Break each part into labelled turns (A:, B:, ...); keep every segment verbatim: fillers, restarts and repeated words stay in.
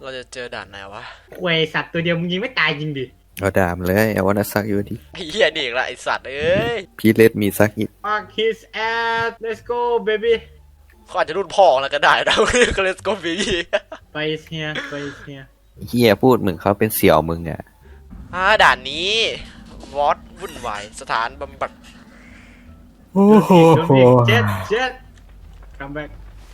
A: เราจะเจอด่านไหนวะ
B: เวยสัตว์ตัวเดียวมึงยิงไม่ตายจริงดิ
C: เอาดามเลยเอาวันซักอยู่ดิ
A: ไอ้เหี้ยนี่อีกละไอสัตว์เอ้ย
C: พี่เลดมีซักอีก
B: Fuck his ass let's go baby
A: เขาอาจจะรุ่นพ่อแล้วก็ได้นะก็เลสโกบี
B: ไปเฮียไปเฮีย
C: เฮียพูดมึงเขาเป็นเสี่ยวมึงอ่ะ
A: อ่าด่านนี้วอตวุ่นวายสถานบำบัด
C: โอ้โห
B: เจ็ดเจ็ด come back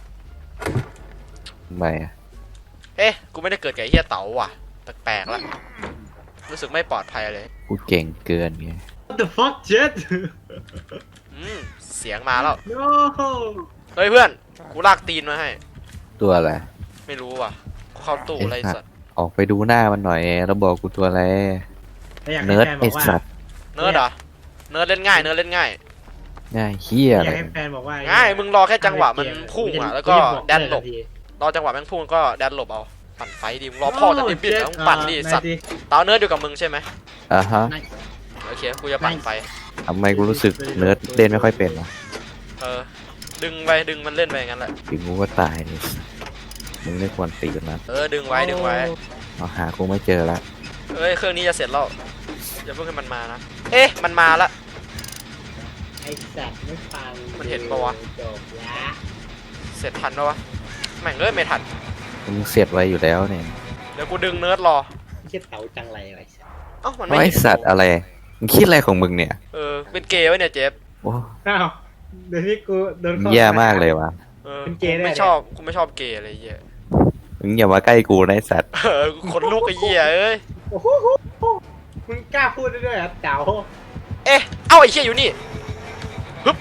C: ทำไมอ่ะ
A: เอ๊ะกูไม่ได้เกิดกับไอ้เหี้ยเต๋าว่ะแปลกๆแล้วรู้สึกไม่ปลอดภัยเลย
C: กูเก่งเกินไง
B: what the fuck เจ็ด
A: อืมเสียงมาแล้ว
B: no
A: เฮ้ยเพื่อนกูลากตีนมาให้
C: ตัวอะไร
A: ไม่รู้ว่ะกูเข้าตู้อะไรสัตว์
C: ออกไปดูหน้ามันหน่อยแล้วบอกกูตัวอะไร
B: ถ้าอยากให้
C: เนิร์ด
B: แฟนบ
C: ไอ
B: อกว่า
C: สัตว์
A: เนิร์ดเหรอเนิร์ดเล่นง่ายเนิร์ดเล่นง่าย
C: ง่ายเฮีย
B: อ
C: อะไร
B: ยากให้แฟนบอกว่า
A: ง่ายมึงรอแค่จังหวะมันพุ่งอ่ะแล้วก็แดนหลบ
B: ที
A: รอจังหวะแม่งพุ่งก็แดนหลบเอาปั่นไฟดิมึงรอพ่อจะติดบิดแล้วมึงปั่นดิสัตว์เต๋าเนิร์ดอยู่กับมึงใช่ไหม
C: อ่ะฮะ
A: โอเคกูจะปั่นไฟ
C: ทำไมกูรู้สึกเนิร์ดเล่นไม่ค่อยเป็นวะ
A: เออดึงไปดึงมันเล่นไปงั้นแหละ
C: ถึงกูก็ตายเลยมึงไม่ควรตีกันนะ
A: เออดึงไว้ดึงไว้
C: เอาหากูไม่เจอละ
A: เอ้ยเครื่องนี้จะเสร็จแล้วอย่าเพิ่งให้มันมานะเอ๊ะมันมาละ
B: ไอ้สัตว์ไม่ฟัง
A: มันเห็นปะวะ
B: จบละ
A: เสร็จทันปะวะแม่งเอ้ยไม่ทัน
C: มึงเสียดไว้อยู่แล้วเนี่ย
A: เดี๋ยวกูดึงเนิร์ดรอ
B: ไม่ใช่เต๋าจังไรไอ้สัตว์
A: เอ้ามันไม่
C: ไอ
A: เห็น
C: สัตว์อะไรมึงคิดอะไรของมึงเนี่ย
A: เออเป็นเกย์ไว้เนี่ยเจฟ
C: โอ้
B: อ้าวเดี๋ยวนี้กูโดน
C: มึง
B: ข้อ
C: แย่มากเลยวะ
A: เออ
B: เป็นเกย์
A: กู
B: ได้
A: ไม่
B: เนี่ย
A: ชอบกูไม่ชอบเกย์อะไรเงี้ย
C: มึงอย่ามาใกล้กูนะไอสัตว์
A: เออคนลูกไอ้เหี้ยเอ้ย
B: โอ้โหมึงกล้าพูดได้ด้วยเหรอเต๋า
A: เอ๊ะเอ้าไอ้เหี้ยอยู่นี่ฮึบ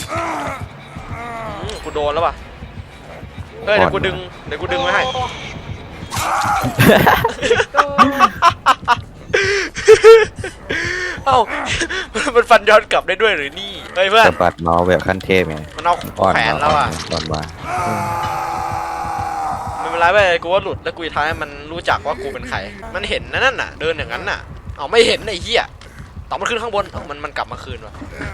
A: อืมกูโดนแล้วป่ะเฮ้ยเดี๋ยวกูดึงเดี๋ยวกูดึงไว้ให้ เอ้า มันฟันย้อนกลับได้ด้วยหรือนี่เฮ้ยเพื่อน
C: สะบัดเมาส์แบบขั้นเทพไง
A: มันเอา
C: อ่อน
A: แขวนแล้วอ่ะ
C: อ่อนว่า
A: ไม่เป็นไรเว้ยกูว่าหลุดแล้วกูจะทำให้มันรู้จักว่ากูเป็นใครมันเห็นนะนั่นน่ะเดินอย่างนั้นน่ะเอาไม่เห็นไอ้เหี้ยต่อมันขึ้นข้างบนเอ้ามันมันกลับมาคืนว่ะ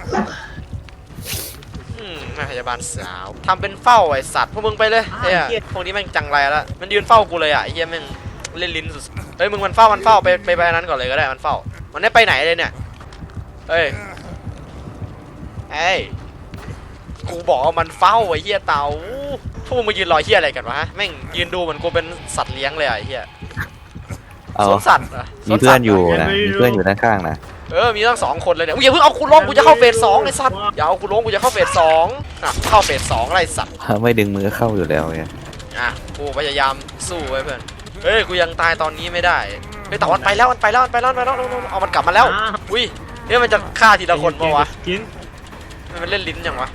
A: อืมแม่พยาบาลสาวทำเป็นเฝ้าไอ้สัตว์พวกมึงไปเลยเฮ้ยพวกนี้แม่งจังไรแล้วมันยืนเฝ้ากูเลยอ่ะไอ้เหี้ยแม่งเล่นลิ้นสุดเฮ้ยมึงมันเฝ้ามันเฝ้าไปไปไปนั้นก่อนเลยก็ได้มันเฝ้ามันไม่ไปไหนเลยเนี่ยเฮ้ยเอ้ยกูบอกว่ามันเฝ้าไอ้เหี้ยเต่าพวกมึงมายืนรอเหี้ยอะไรกันวะแม่งยืนดูเหมือนกูเป็นสัตว์เลี้ยงเลยอ่ะไอ้เหี้ย
C: เอา
A: สวนสัตว์เหรอ
C: มีเพื่อนอยู่นะมีเพื่อนอยู่ด้านข้างนะ
A: เออมีตั้งสองคนเลยเนี่ยอุ๊ยอย่าเพิ่งเอากูลงกูจะเข้าเฟสสองไอ้สัตว์อย่าเอากูลงกูจะเข้าเฟสสองอ่ะเข้าเฟสสองอะไรสัตว์
C: ไม่ดึงมือเข้าอยู่แล้วไง
A: อ่ะกูพยายามสู้ไว้เพื่อนเฮ้ยกูยังตายตอนนี้ไม่ได้เฮ้ยแต่วันไปแล้วมันไปแล้วมันไปแล้วมันไปแล้วเอามันกลับมาแล้วอุ้ยเฮ้ยมันจะฆ่าทีละคนปะวะ
B: กิน
A: มันเล่นลิ้นยังวะ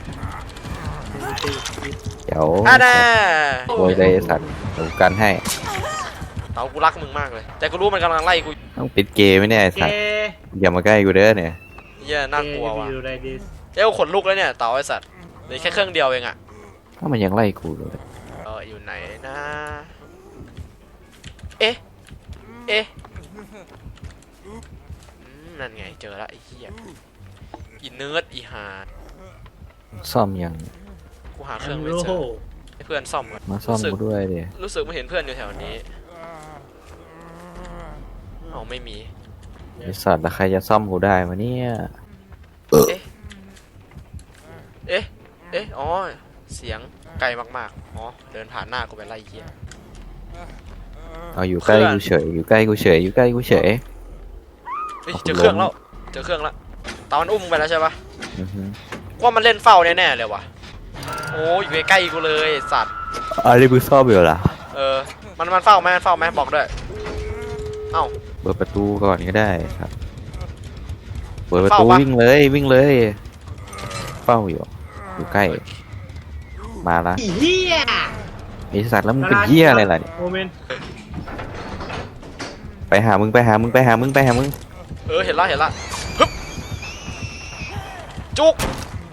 C: เดี๋ยว
A: อ่ะแน่
C: โวยเลยไอ้สัตว์เดี๋ยวกันให้
A: เต๋ากูรักมึงมากเลยแต่กูรู้มันกำลังไล่กู
C: ต้องปิดเกมไหมเนี่ยไอ้
B: เก
C: สัตว์อย่ามาใกล้กูเด้อเนี่ย
A: เหี้ยน่ากลัวว่ะ
B: ดูอะไรดิ
A: เอ้ยกูขนลุกแล้วเนี่ยเต๋าไอ้สัตว์เหลือแค่เครื่องเดียวเองอ่ะ
C: ถ้ามันยังไล่กูเลย
A: เอออยู่ไหนนะเอ๊ะเอ๊ะอืมนั่นไงเจอละไอ้เหี้ยอีเนิร์ดอีหา
C: ซ่อมยัง
A: กูหาเครื่องไม่
B: โอ้
A: เจ
B: โห
A: อให้เพื่อนซ่อมก่อน
C: มาซ่อมกูด้วยเดี๋ย
A: รู้สึกไม่เห็นเพื่อนอยู่แถวนี้เอาไม่มี
C: ไอสัตว์แล้วใครจะซ่อมกูได้มาเนี่ย
A: เอ๊ะเอ๊ะเอ๊ะอ๋อเสียงไกลมากๆอ๋อเดินผ่านหน้ากูไปไล่เหี้ย
C: เอาอยู่ใกล้กูเฉยอยู่ใกล้กูเฉยอยู่ใกล้กูเฉย
A: เฮ้ยเจอเครื่องแล้วเจอเครื่องแล้วตามันอุ้มไปแล้วใช่ปะ
C: อือฮึ
A: ว่ามันเล่นเฝ้าแน่ๆเลยว่ะโอ้อยู่ใกล้ๆกูเลยไอ้สัตว์
C: อันนี้มึงซ่อมอยู่เหรอ
A: เออ มันมันเฝ้าไหมมันเฝ้าไหมบอกด้วย เอ้า
C: เปิดประตูก่อนก็ได้ครับเปิดประตู
A: เฝ้าปะ
C: วิ่งเลยวิ่งเลยเฝ้าอยู่อยู่ใกล้มาละ
B: อีเหี้ย
C: ไอสัตว์แล้วมึงเป็นเหี้ยอะไรล่ะเนี่ย
B: โมเมนต์
C: ไปหามึงไปหามึงไปหามึงไปหามึง
A: เออ เห็นละเห็นละฮึบจุก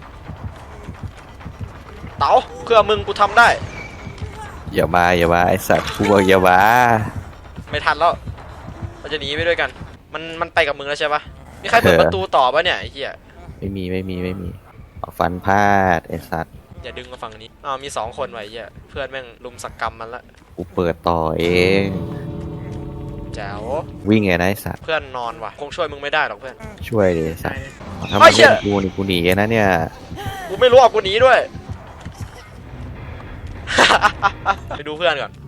A: เต๋าเพื่อมึงกูทำได้
C: อย่ามาอย่ามาไอสัตว์กูบอกอย่ามา
A: ไม่ทันแล้วเราจะหนีไปด้วยกัน มันมันไปกับมึงแล้วใช่ปะมีใครเปิดประตูต่อปะเนี่ยไอ้เหี้ย
C: ไม่มีไม่มีไม่มีเอาฟันพลาดไอสัตว์
A: อย่าดึงมาฝั่งนี้อ้าวมีสองคนไว้เหี้ย เพื่อนแม่งลุมสักกรรมมันละ
C: กูเปิดต่อเองวิ่งไงนะไอ้สัตว์
A: เพื่อนนอนว่ะคงช่วยมึงไม่ได้หรอกเพื่อน
C: ช่วยดิไอ้สัตว์ถ้า
A: เฮ้
C: มาย
A: เชี่
C: เล่
A: ย
C: นกูนี่กูหนีนะเนี่ย
A: กูไม่รู้อ่ะกูหนีด้วย ไปดูเพื่อนก่อน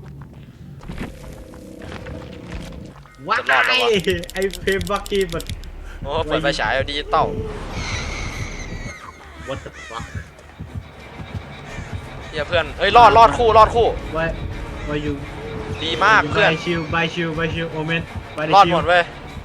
B: ว้า
A: จะรอดปะวะ
B: ยไอ้เพมบักกี้มัน
A: โอ้เปิดไฟฉายดิจิตอล
B: what the fuck
A: เฮียเพื่อนเอ้ยรอดรอดคู่รอดคู่
B: why why you
A: ดีมากเพื่อน
B: by shield by shield by shield omen by the
A: รอดหม
B: shield
A: ดเว้ย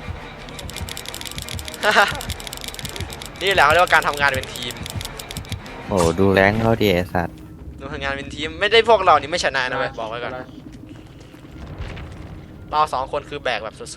A: นี่แหละเขาเรียกว่าการทำงานเป็นทีม
C: โอ้ดูแรงเขาดิไอ้สัตว์
A: ดูทำงานเป็นทีมไม่ได้พวกเรานี่ไม่ชนะนะเว้ยบอกไว้ก่อนเราสองคนคือแบกแบบสุด